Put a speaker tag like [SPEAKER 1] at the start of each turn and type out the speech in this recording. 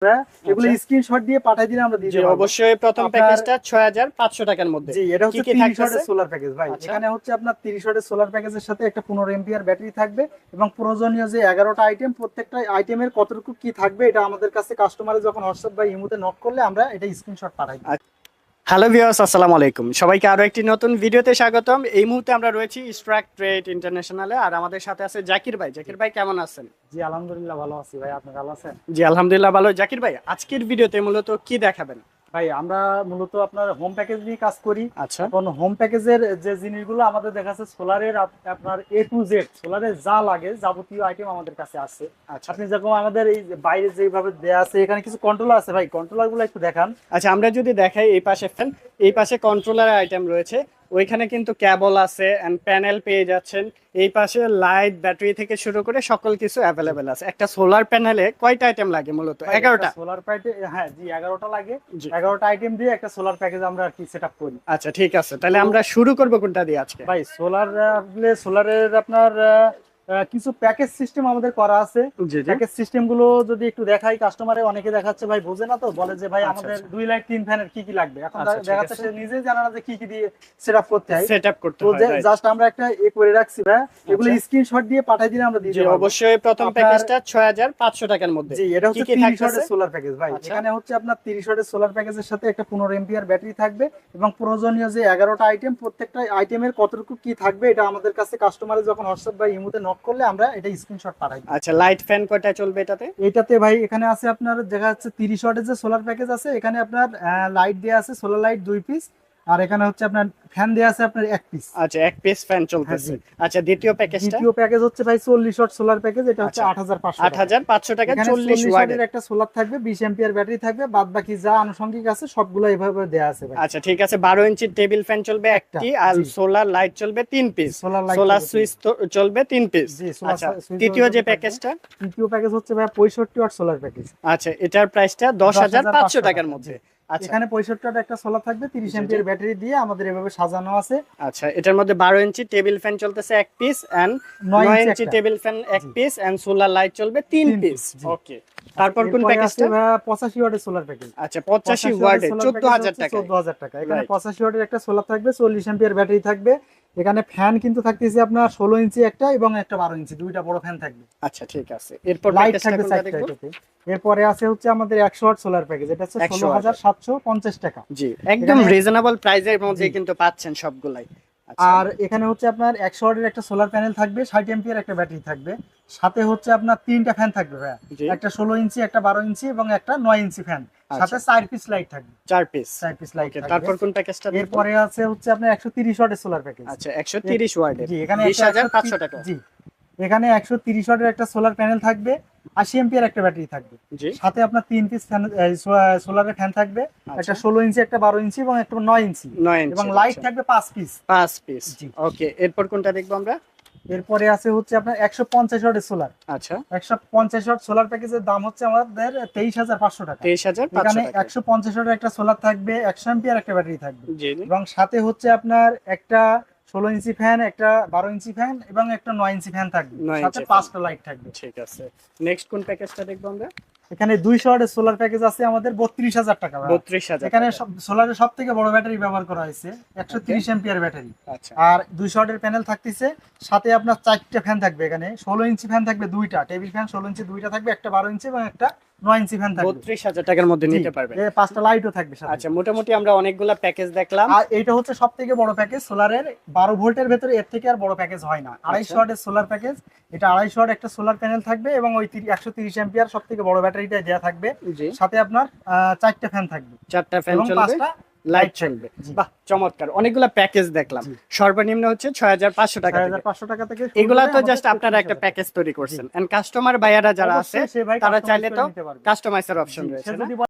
[SPEAKER 1] এগুলো স্ক্রিনশট দিয়ে পাঠিয়ে দিলে আমরা দিয়ে
[SPEAKER 2] জি
[SPEAKER 1] দেব।
[SPEAKER 2] অবশ্যই প্রথম প্যাকেজটা 6500 টাকার মধ্যে।
[SPEAKER 1] জি এটা হচ্ছে
[SPEAKER 2] কি
[SPEAKER 1] 30
[SPEAKER 2] থাকতেছে?
[SPEAKER 1] ওয়াটের সোলার প্যাকেজ ভাই।
[SPEAKER 2] আচ্ছা।
[SPEAKER 1] এখানে হচ্ছে আপনার 30 ওয়াটের সোলার প্যাকেজের সাথে একটা 15 এম্পিয়ার ব্যাটারি থাকবে এবং প্রয়োজনীয় যে 11টা আইটেম, প্রত্যেকটা আইটেমের কতটুকু কি থাকবে এটা আমাদের কাছে কাস্টমারে যখন হোয়াটসঅ্যাপ বা ইমোতে নক করলে আমরা এটা স্ক্রিনশট পাঠাই দিই।
[SPEAKER 2] হ্যালো ভিউয়ার্স, আসসালামু আলাইকুম। সবাইকে আরো একটি নতুন ভিডিওতে স্বাগতম। এই মুহূর্তে আমরা রয়েছি স্ট্রাক ট্রেড ইন্টারন্যাশনালে, আর আমাদের সাথে আছে জাকির ভাই। জাকির ভাই কেমন আছেন?
[SPEAKER 1] জি আলহামদুলিল্লাহ ভালো আছি ভাই, আপনি ভালো আছেন?
[SPEAKER 2] জি আলহামদুলিল্লাহ ভালো। জাকির ভাই আজকের ভিডিওতে মূলত কি দেখাবেন?
[SPEAKER 1] ভাই আমরা মূলত আপনার হোম প্যাকেজ নিয়ে কাজ করি।
[SPEAKER 2] আচ্ছা
[SPEAKER 1] এখন হোম প্যাকেজের যে জিনিসগুলো আমাদের দেখা যাচ্ছে সোলারের আপনার A to Z সোলারের যা লাগে যাবতীয় আইটেম আমাদের কাছে আছে।
[SPEAKER 2] আচ্ছা
[SPEAKER 1] আপনি যেরকম আমাদের এই যে বাইরে যেভাবে দেয়া আছে, এখানে কিছু কন্ট্রোলার আছে ভাই, কন্ট্রোলার গুলো একটু দেখান।
[SPEAKER 2] আচ্ছা, আমরা যদি দেখাই এই পাশে ফ্যান, এই পাশে কন্ট্রোলার আইটেম রয়েছে, ওইখানে কিন্তু কেবল আছে এন্ড প্যানেল পেয়ে যাচ্ছেন। এই পাশে লাইট, ব্যাটারি থেকে শুরু করে সকল কিছু অ্যাভেলেবেল আছে। একটা সোলার প্যানেলে কয়টা আইটেম লাগে মূলত? 11টা।
[SPEAKER 1] সোলার প্যাকেজ, হ্যাঁ জি 11টা লাগে।
[SPEAKER 2] জি।
[SPEAKER 1] 11টা আইটেম দিয়ে একটা সোলার প্যাকেজ আমরা আর কি সেটআপ করি।
[SPEAKER 2] আচ্ছা ঠিক আছে, তাহলে আমরা শুরু করব কোনটা দিয়ে আজকে?
[SPEAKER 1] ভাই সোলারের আপনার কিছু প্যাকেজ সিস্টেম আমাদের করা আছে।
[SPEAKER 2] জি জি।
[SPEAKER 1] প্যাকেজ সিস্টেম গুলো যদি একটু দেখাই, কাস্টমারে অনেকে দেখাচ্ছে ভাই বোঝে না, তো বলে যে ভাই
[SPEAKER 2] আচ্ছা,
[SPEAKER 1] আমাদের
[SPEAKER 2] আচ্ছা।
[SPEAKER 1] 2 লাইট 3 ফ্যানের কি কি লাগবে। এখন
[SPEAKER 2] আচ্ছা, ঠিক
[SPEAKER 1] দেখাচ্ছে
[SPEAKER 2] আছে।
[SPEAKER 1] সে নিজেই জানে না যে কি কি দিয়ে সেটআপ করতে হয়।
[SPEAKER 2] সেটআপ করতে
[SPEAKER 1] তো
[SPEAKER 2] হয়, right?
[SPEAKER 1] জাস্ট আমরা একটা করে রাখছি ভাই, এগুলো
[SPEAKER 2] আচ্ছা।
[SPEAKER 1] স্ক্রিনশট দিয়ে পাঠিয়ে দিলে আমরা দিয়ে
[SPEAKER 2] জি
[SPEAKER 1] দেব।
[SPEAKER 2] অবশ্যই প্রথম
[SPEAKER 1] আপনার-
[SPEAKER 2] প্যাকেজটা 6500 টাকার মধ্যে।
[SPEAKER 1] জি এটা
[SPEAKER 2] কি
[SPEAKER 1] হচ্ছে
[SPEAKER 2] কি
[SPEAKER 1] 30
[SPEAKER 2] থাকতেছে?
[SPEAKER 1] ওয়াটের সোলার প্যাকেজ ভাই।
[SPEAKER 2] আচ্ছা।
[SPEAKER 1] এখানে হচ্ছে আপনার 30 ওয়াটের সোলার প্যাকেজের সাথে একটা 15 এম্পিয়ার ব্যাটারি থাকবে এবং প্রয়োজনীয় যে 11টা আইটেম, প্রত্যেকটা আইটেমের কতটুকু কি থাকবে এটা আমাদের কাছে কাস্টমারে যখন হোয়াটসঅ্যাপ বা ইমোতে নক করলে আমরা এটা স্ক্রিনশট পাঠাই দিই।
[SPEAKER 2] আচ্ছা, লাইট ফ্যান কয়টা চলবে এটাতে?
[SPEAKER 1] এটাতে ভাই এখানে আছে আপনার দেখা যাচ্ছে 30 ওয়াটের যে সোলার প্যাকেজ আছে, এখানে আপনার লাইট দেয়া আছে, সোলার লাইট 2 পিস, আর এখানে হচ্ছে আপনার ফ্যান দেয়া আছে আপনার 1 পিস।
[SPEAKER 2] আচ্ছা, এক পিস ফ্যান চলতেছে।
[SPEAKER 1] হ্যাঁ,
[SPEAKER 2] আচ্ছা, দ্বিতীয় প্যাকেজটা?
[SPEAKER 1] দ্বিতীয় প্যাকেজ হচ্ছে ভাই 40 ওয়াট সোলার প্যাকেজ, এটা হচ্ছে
[SPEAKER 2] আচ্ছা,
[SPEAKER 1] 8500 টাকা।
[SPEAKER 2] 8500 টাকা,
[SPEAKER 1] এখানে
[SPEAKER 2] 40
[SPEAKER 1] 40
[SPEAKER 2] ওয়াটের।
[SPEAKER 1] ওয়াটের একটা সোলার থাকবে, 20 এম্পিয়ার ব্যাটারি থাকবে, বাদ বাকি যা আনুষঙ্গিক আছে সবগুলো এইভাবে দেয়া আছে ভাই।
[SPEAKER 2] আচ্ছা ঠিক আছে, 12 ইঞ্চি টেবিল ফ্যান চলবে একটি, আর
[SPEAKER 1] জি।
[SPEAKER 2] সোলার লাইট চলবে 3 পিস,
[SPEAKER 1] সোলার লাইট
[SPEAKER 2] সোলার
[SPEAKER 1] চলবে
[SPEAKER 2] সুইচ চলবে 3 পিস।
[SPEAKER 1] জি, সোলার
[SPEAKER 2] আচ্ছা,
[SPEAKER 1] সুইচ
[SPEAKER 2] তৃতীয় যে
[SPEAKER 1] থাকবে।
[SPEAKER 2] প্যাকেজটা?
[SPEAKER 1] তৃতীয় প্যাকেজ হচ্ছে ভাই 65 ওয়াট সোলার প্যাকেজ।
[SPEAKER 2] আচ্ছা, এটার প্রাইসটা 10500 টাকার মধ্যে। আচ্ছা
[SPEAKER 1] এখানে 65 ওয়াট একটা সোলার থাকবে, 30
[SPEAKER 2] জি, জি।
[SPEAKER 1] এম্পিয়ার ব্যাটারি দিয়ে আমাদের এভাবে সাজানো আছে।
[SPEAKER 2] আচ্ছা, এটার মধ্যে 12 ইঞ্চি টেবিল ফ্যান চলতেছে এক পিস, এন্ড
[SPEAKER 1] 9
[SPEAKER 2] 9
[SPEAKER 1] ইঞ্চি
[SPEAKER 2] ইঞ্চি
[SPEAKER 1] একটা।
[SPEAKER 2] টেবিল ফ্যান এক
[SPEAKER 1] জি।
[SPEAKER 2] পিস, এন্ড সোলার লাইট চলবে 3
[SPEAKER 1] তিন
[SPEAKER 2] পিস।
[SPEAKER 1] পিস, জি।
[SPEAKER 2] ওকে, তারপর কোন
[SPEAKER 1] এরপরে
[SPEAKER 2] প্যাকেজটা?
[SPEAKER 1] আছে ভাই 85 ওয়াটের সোলার প্যাকেজ।
[SPEAKER 2] আচ্ছা, 85 ওয়াটে 14000 টাকা।
[SPEAKER 1] 14000 টাকা। এখানে
[SPEAKER 2] Right.
[SPEAKER 1] 85 ওয়াটের একটা সোলার থাকবে, 40 এম্পিয়ার ব্যাটারি থাকবে। এখানে ফ্যান কিন্তু থাকতেছে আপনার 16 ইঞ্চি একটা এবং একটা 12 ইঞ্চি, দুইটা বড় ফ্যান থাকবে।
[SPEAKER 2] আচ্ছা ঠিক আছে, এরপর
[SPEAKER 1] লাইট
[SPEAKER 2] প্যাকেজটা
[SPEAKER 1] থাকবে
[SPEAKER 2] কোনটা
[SPEAKER 1] 4টা
[SPEAKER 2] দেখবো?
[SPEAKER 1] এটাতে। এরপরে আছে হচ্ছে আমাদের 100 ওয়াট সোলার প্যাকেজ, এটা হচ্ছে
[SPEAKER 2] 100 ওয়াটের।
[SPEAKER 1] 16750 টাকা।
[SPEAKER 2] জি, একদম
[SPEAKER 1] এখানে-
[SPEAKER 2] রিজনেবল প্রাইসের মধ্যে
[SPEAKER 1] জি।
[SPEAKER 2] কিন্তু পাচ্ছেন সবগুলাই। আচ্ছা,
[SPEAKER 1] আর এখানে হচ্ছে আপনার 100 ওয়াটের একটা সোলার প্যানেল থাকবে, 60 এম্পিয়ার একটা ব্যাটারি থাকবে, সাথে হচ্ছে আপনার 3টা ফ্যান থাকবে ভাইয়া।
[SPEAKER 2] জি।
[SPEAKER 1] একটা 16 ইঞ্চি, একটা 12 ইঞ্চি এবং একটা 9 ইঞ্চি ফ্যান, সাথে 4 পিস লাইট থাকবে।
[SPEAKER 2] 4 পিস।
[SPEAKER 1] 4 পিস লাইট
[SPEAKER 2] ওকে,
[SPEAKER 1] থাকবে।
[SPEAKER 2] তারপর কোন প্যাকেজটা দেখবো?
[SPEAKER 1] এরপরে আছে হচ্ছে আপনার 130 ওয়াটের সোলার প্যাকেজ।
[SPEAKER 2] আচ্ছা, 130 ওয়াটের,
[SPEAKER 1] জি এখানে
[SPEAKER 2] 20500 টাকা।
[SPEAKER 1] জি এখানে 130 ওয়াটের একটা সোলার প্যানেল থাকবে, 80 এম্পিয়ার একটা ব্যাটারি থাকবে,
[SPEAKER 2] জি।
[SPEAKER 1] সাথে আপনার 3 পিস ফ্যান সোলারের ফ্যান থাকবে,
[SPEAKER 2] আচ্ছা।
[SPEAKER 1] একটা 16 ইঞ্চি, একটা 12 ইঞ্চি এবং একটা 9 ইঞ্চি,
[SPEAKER 2] 9 ইঞ্চি
[SPEAKER 1] এবং লাইট থাকবে 5 পিস।
[SPEAKER 2] 5 পিস।
[SPEAKER 1] জি।
[SPEAKER 2] ওকে, এরপর কোনটা দেখবো আমরা?
[SPEAKER 1] এরপরে আছে হচ্ছে আপনার 150 ওয়াটের সোলার।
[SPEAKER 2] আচ্ছা,
[SPEAKER 1] 150 ওয়াট সোলার প্যাকেজের দাম হচ্ছে আমাদের 23500 টাকা।
[SPEAKER 2] 23500
[SPEAKER 1] এখানে
[SPEAKER 2] টাকা।
[SPEAKER 1] 150 ওয়াটের একটা সোলার থাকবে, 100 এম্পিয়ার একটা ব্যাটারি থাকবে,
[SPEAKER 2] জি জি।
[SPEAKER 1] এবং সাথে হচ্ছে আপনার একটা 16 ইঞ্চি ফ্যান, একটা 12 ইঞ্চি ফ্যান এবং একটা 9 ইঞ্চি ফ্যান থাকবে,
[SPEAKER 2] 9
[SPEAKER 1] সাথে
[SPEAKER 2] ইঞ্চি
[SPEAKER 1] 5টা লাইট থাকবে।
[SPEAKER 2] ঠিক আছে, নেক্সট কোন প্যাকেজটা দেখবো আমরা?
[SPEAKER 1] এখানে 200 ওয়াটের সোলার প্যাকেজ আছে আমাদের 32000 টাকা ভাড়া।
[SPEAKER 2] 32000
[SPEAKER 1] এখানে
[SPEAKER 2] টাকা।
[SPEAKER 1] সোলারের সব থেকে বড় ব্যাটারি ব্যবহার করা হয়েছে, 130 এম্পিয়ার ব্যাটারি,
[SPEAKER 2] আচ্ছা,
[SPEAKER 1] আর 200 ওয়াটের প্যানেল থাকতেছে, সাথে আপনার 4টা ফ্যান থাকবে। এখানে 16 ইঞ্চি ফ্যান থাকবে দুইটা, টেবিল ফ্যান 16 ইঞ্চি দুইটা থাকবে, একটা 12 ইঞ্চি এবং একটা 9 ইঞ্চি ফ্যান থাকবে।
[SPEAKER 2] 32000 টাকার মধ্যে নিতে পারবেন।
[SPEAKER 1] 5টা লাইটও থাকবে সাথে।
[SPEAKER 2] আচ্ছা, মোটামুটি আমরা অনেকগুলা প্যাকেজ দেখলাম।
[SPEAKER 1] আর এইটা হচ্ছে সব থেকে বড় প্যাকেজ সোলারের, 12 ভোল্টের ভেতরে এর থেকে আর বড় প্যাকেজ হয় না। 250 ওয়াটের সোলার প্যাকেজ, এটা 250 ওয়াট একটা সোলার প্যানেল থাকবে এবং ওই 130 এম্পিয়ার সব থেকে বড় ব্যাটারিটা দেয়া থাকবে,
[SPEAKER 2] জি,
[SPEAKER 1] সাথে আপনার 4টা ফ্যান থাকবে
[SPEAKER 2] 4টা ফ্যান
[SPEAKER 1] এবং
[SPEAKER 2] চলবে,
[SPEAKER 1] 5টা
[SPEAKER 2] লাইট চলবে।
[SPEAKER 1] জি।
[SPEAKER 2] বাহ, চমৎকার, অনেকগুলা প্যাকেজ দেখলাম।
[SPEAKER 1] জি।
[SPEAKER 2] সর্বনিম্ন হচ্ছে 6500 টাকা থেকে।
[SPEAKER 1] 6500 টাকা থেকে শুরু
[SPEAKER 2] এগুলা
[SPEAKER 1] করে
[SPEAKER 2] তো
[SPEAKER 1] আমাদের
[SPEAKER 2] জাস্ট আপনারা একটা
[SPEAKER 1] 33000
[SPEAKER 2] প্যাকেজ তৈরি করছেন, এন্ড কাস্টমার ভাইয়ারা যারা আছে
[SPEAKER 1] অবশ্যই সে ভাই
[SPEAKER 2] তারা
[SPEAKER 1] customize
[SPEAKER 2] চাইলে
[SPEAKER 1] করে
[SPEAKER 2] তো
[SPEAKER 1] নিতে পারবে।
[SPEAKER 2] কাস্টমাইজের অপশন
[SPEAKER 1] জি,
[SPEAKER 2] রয়েছে
[SPEAKER 1] সে
[SPEAKER 2] না?
[SPEAKER 1] যদি